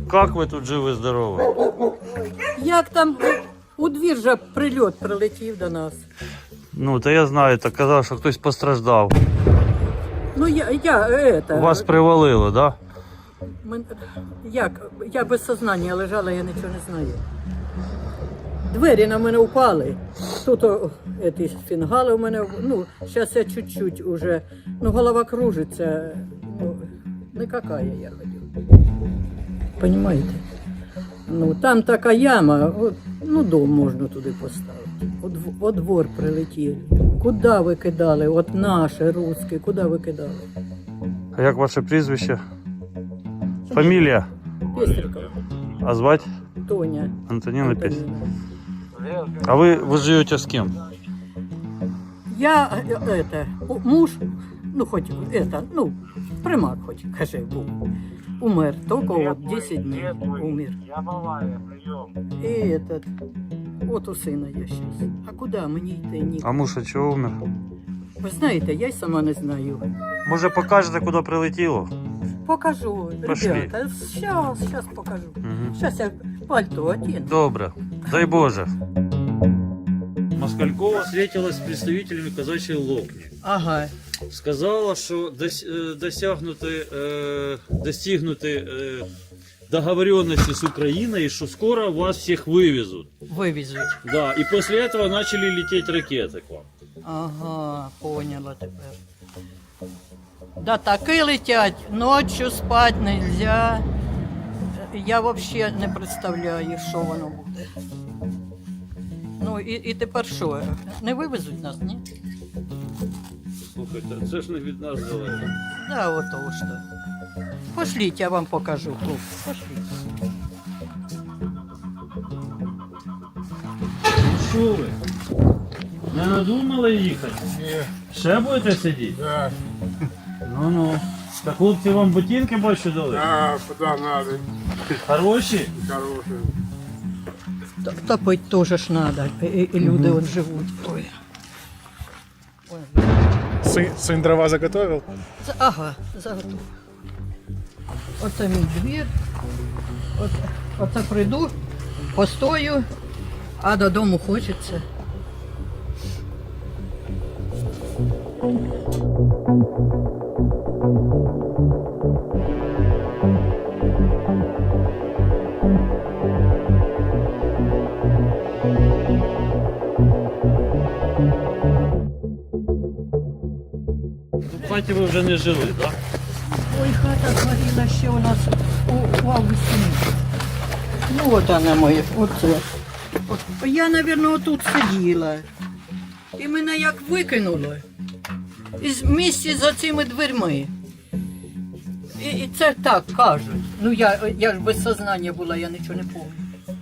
Як ви тут живі-здорові? Як там у двір же прильот прилетів до нас. Ну, та я знаю, так казав, що хтось постраждав. Ну У вас привалило, так? Я без сознання лежала, я нічого не знаю. Двері на мене впали. Тут ці фінгали у мене, ну, зараз я чуть-чуть уже, ну, голова кружиться, ну, не какая я ходю. Понимаєте? Ну, там така яма, ну, дом можна туди поставити. От двор прилетіли. Куди ви кидали? От наше, русське, куди ви кидали? А як ваше прізвище? Фамілія? Пестрикова. А звати? Тоня. Антоніна Пестрикова. А ви живете з ким? Я, муж, ну, хоть, примак хоть, каже, був. Умер, только вот 10 дней умер. И вот у сина я сейчас. А куда мені йти? Ні. А муж чого умер? Ви знаєте, я й сама не знаю. Може покажете, куди прилетіло? Покажу, Пошли. ребята, сейчас покажу. Угу. Сейчас я пальто одену. Добре, дай Боже. Москалькова встретилась з представителями казачої локні. Ага. Сказала, що достигнути договоренности с Украиной, что скоро вас всех вывезут. Вивезуть. Да, и после этого начали лететь ракеты к вам. Ага, поняла тепер. Да таки летять, ночью спать нельзя. Я вообще не представляю, що воно буде. Ну і тепер що? Не вивезуть нас, ні? Слухайте, це ж не від нас залежить. Да, вот то что. Пошлите, я вам покажу, хлопці, пошліть. Що ви? Не надумали їхати? Ні. Ще будете сидіти? Да. Ну-ну. Так хлопці вам ботинки більше дали? А, куда надо. Хороші? Хорошие. Топить теж ж надо, і люди от живуть. Ой. Ой. Сын дрова заготовил? Ага, заготов. Оце мій двір. Оце прийду, постою, а додому хочеться. В хаті ви вже не жили, так? Ой, хата згоріла ще у нас у августі місяці. Ну от вона моя, оце. Я, мабуть, отут сиділа. І мене як викинуло. Із місці за цими дверми. І це так кажуть. Ну я ж без сознання була, я нічого не пам'ятаю.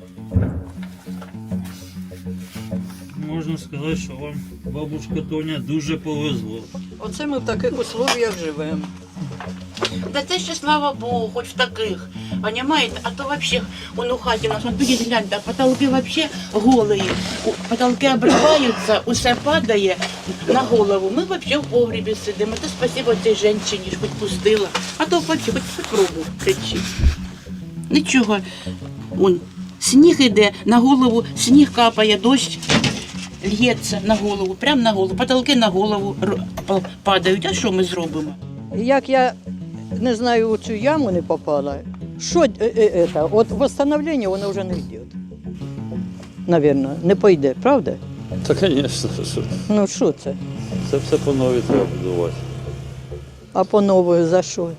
Можна сказати, що вам, бабушка Тоня, дуже повезло. Оце ми в таких условиях живемо. Да це ще слава Богу, хоч в таких. Понимаете? А то вообще он у хаті у нас, підіть гляньте, потолки вообще голые. Потолки обриваються, усе падає на голову. Ми вообще в погребі сидимо. То спасибо цій жінчині, що хоч пустила. А то вообще хоч пробу кричить. Нічого. Он, сніг іде, на голову сніг капає, дощ лється на голову, прямо на голову. Потолки на голову падають. А що ми зробимо? Як я, не знаю, у цю яму не попала, що от восстановлення воно вже не йде. Навірно, не пойде, правда? Та, звісно, що. Ну що це? Це все по новій треба будувати. А по новою за що?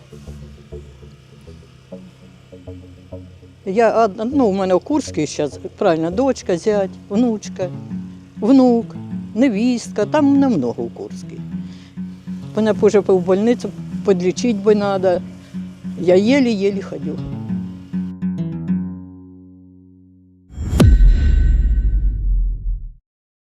У мене у Курській зараз, правильно, дочка, зять, внучка, внук, невістка, там немного у Курській. Мене вже в больницю підлічити би треба. Я єлі-єлі ходю.